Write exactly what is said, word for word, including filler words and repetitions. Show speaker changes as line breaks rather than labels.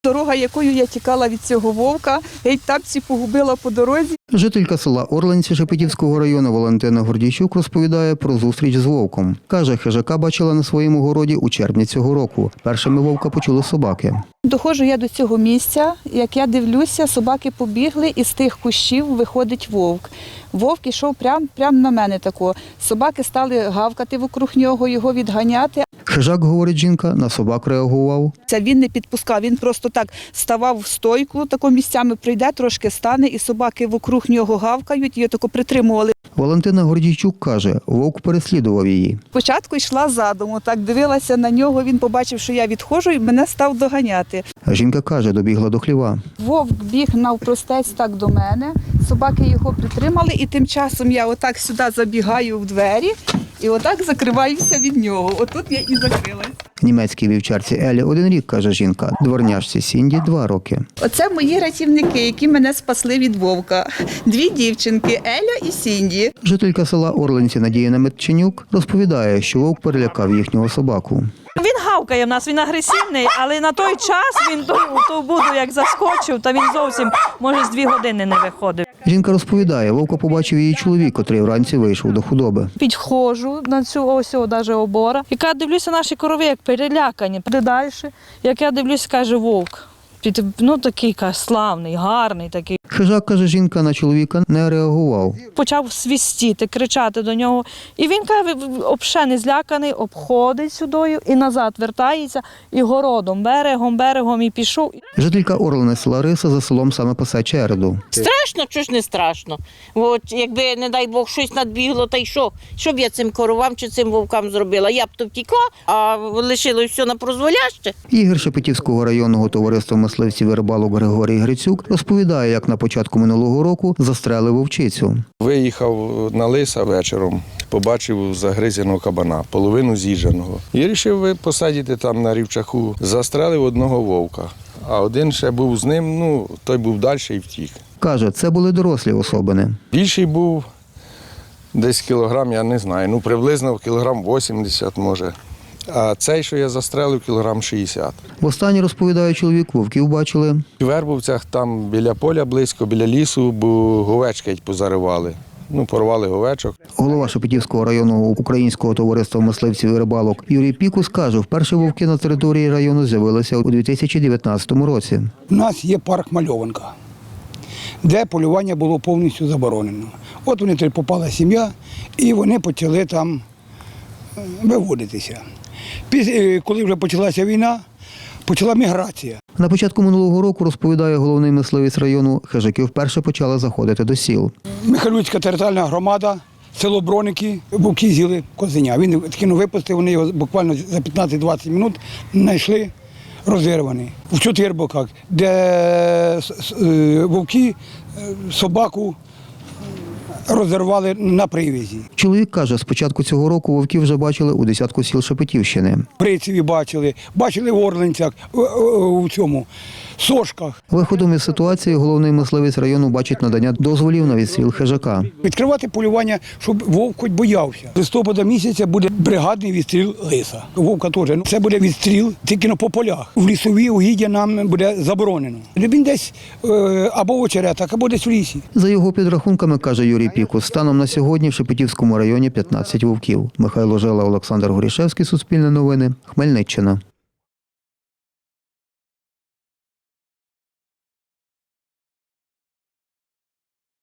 Дорога, якою я тікала від цього вовка, геть тапці погубила по дорозі.
Жителька села Орленці Шепетівського району Валентина Гордійчук розповідає про зустріч з вовком. Каже, хижака бачила на своєму городі у червні цього року. Першими вовка почули собаки.
Доходжу я до цього місця, як я дивлюся, собаки побігли, і з тих кущів виходить вовк. Вовк ішов прямо прям на мене тако. Собаки стали гавкати вокруг нього, його відганяти.
Хижак, говорить жінка, на собак реагував.
Це він не підпускав, він просто так ставав в стойку, тако місцями прийде, трошки стане, і собаки вокруг нього гавкають, і тако притримували.
Валентина Гордійчук каже, вовк переслідував її.
Спочатку йшла задуму, так дивилася на нього, він побачив, що я відходжу, і мене став доганяти.
Жінка каже, добігла до хліва.
Вовк біг навпростець так до мене, собаки його притримали, і тим часом я отак сюди забігаю в двері і отак закриваюся від нього. Отут я і закрилась.
Німецькій вівчарці Елі один рік, каже жінка, дворняжці Сінді два роки.
Оце мої рятівники, які мене спасли від вовка. Дві дівчинки – Еля і Сінді.
Жителька села Орленці Надія Наметченюк розповідає, що вовк перелякав їхнього собаку.
Він гавкає в нас, він агресивний, але на той час він ту, ту буду як заскочив, та він зовсім, може, з дві години не виходив.
Жінка розповідає, вовка побачив її чоловік, котрий вранці вийшов до худоби.
Підходжу на цю ось навіть обора. Яка я дивлюся, наші корови як перелякані. Де далі, як я дивлюся, каже вовк. Під, ну такий каже, славний, гарний такий.
Хижак, каже жінка, на чоловіка не реагував.
Почав свистіти, кричати до нього. І він, каже, взагалі не зляканий, обходить сюдою і назад вертається, і городом, берегом, берегом і пішов.
Жителька Орленець Лариса за селом саме пасе череду.
Страшно, що ж не страшно. От, якби, не дай Бог, щось надбігло, та й що? Що б я цим коровам чи цим вовкам зробила? Я б то втікла, а лишилось все на прозволяще.
Ігор Шепетівського районного товариства мисливців і рибалок Григорій Грицюк розповідає, як на початку минулого року застрелив вовчицю.
Виїхав на лиса вечором, побачив загризеного кабана, половину з'їждженого. І вирішив посадити там на рівчаку. Застрелив одного вовка, а один ще був з ним, ну, той був далі і втік.
Каже, це були дорослі особини.
Більший був десь кілограм, я не знаю, ну приблизно кілограм вісімдесят може. А цей, що я застрелив, кілограм шістдесят.
Востаннє, розповідає чоловік, вовків бачили
В Вербовцях, там біля поля близько, біля лісу, бо говечки позаривали. Ну, порвали говечок.
Голова Шепетівського районного українського товариства мисливців і рибалок Юрій Пікус каже, вперше вовки на території району з'явилися у дві тисячі дев'ятнадцятому році.
У нас є парк Мальованка, де полювання було повністю заборонено. От вони туди попала сім'я, і вони почали там виводитися. Коли вже почалася війна, почала міграція.
На початку минулого року, розповідає головний мисливець району, хижаки вперше почали заходити до сіл.
Михайлівська територіальна громада, село Броники, вовки з'їли козеня. Він кинув випусти, вони його буквально за п'ятнадцять-двадцять хвилин знайшли розірваний. В чотирьох боках, де вовки собаку розірвали на привязі.
Чоловік каже, з початку цього року вовків вже бачили у десятку сіл Шепетівщини.
Прицеві бачили, бачили в Орленцях, у цьому, Сошках.
Виходом із ситуації головний мисливець району бачить надання дозволів на відстріл хижака.
Відкривати полювання, щоб вовк хоч боявся. З листопада місяця буде бригадний відстріл лиса. Вовка теж. Це буде відстріл тільки по полях. В лісові угіддя нам буде заборонено. Він десь або в очеретах, або десь в лісі.
За його підрахунками, каже Юрій Пікус, станом на сьогодні в Шепетівському районі п'ятнадцять вовків. Михайло Жила, Олександр Горішевський, Суспільне новини, Хмельниччина.